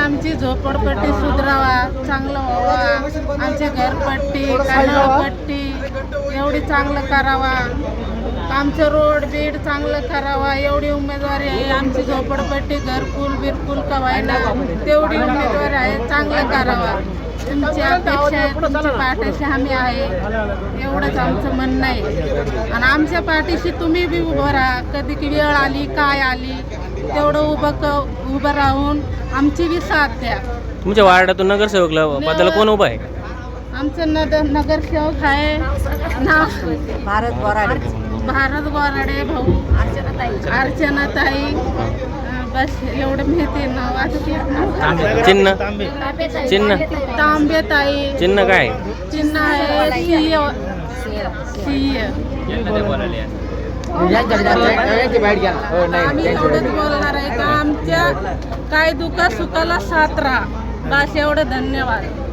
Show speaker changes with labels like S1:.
S1: आमची झोपडपट्टी सुधारावा, चांगलं व्हावा, आमची घरपट्टी कानापट्टी एवढी चांगलं करावा, आमचं रोड बीड चांगलं करावा एवढी उमेदवारी आहे. आमची झोपडपट्टी घरकुल बिरकुल का व्हायना तेवढी उमेदवारी आहे, चांगलं करावा. तुमची अपेक्षा आहे, तुमच्या पाठीशी आम्ही आहे एवढंच आमचं म्हणणं आहे. आणि आमच्या पाठीशी तुम्ही बी उभं राहा. कधी की वेळ आली काय आली तेवढं उभं राहून आमची बी साथ द्या.
S2: तुमच्या वार्डातून नगरसेवकला पदाला कोण उभा आहे?
S1: आमचं नगरसेवक आहे ना भारत बोराडे भाऊ, अर्चनाताई, बस एवढं माहिती नाव. आता
S2: चिन्ह
S1: तांबेताई.
S2: चिन्ह काय?
S1: चिन्ह आहे सिंह. आम्ही एवढंच बोलणार आहे का आमच्या काय दुःख सुखाला साथ राहा, बस एवढं. धन्यवाद.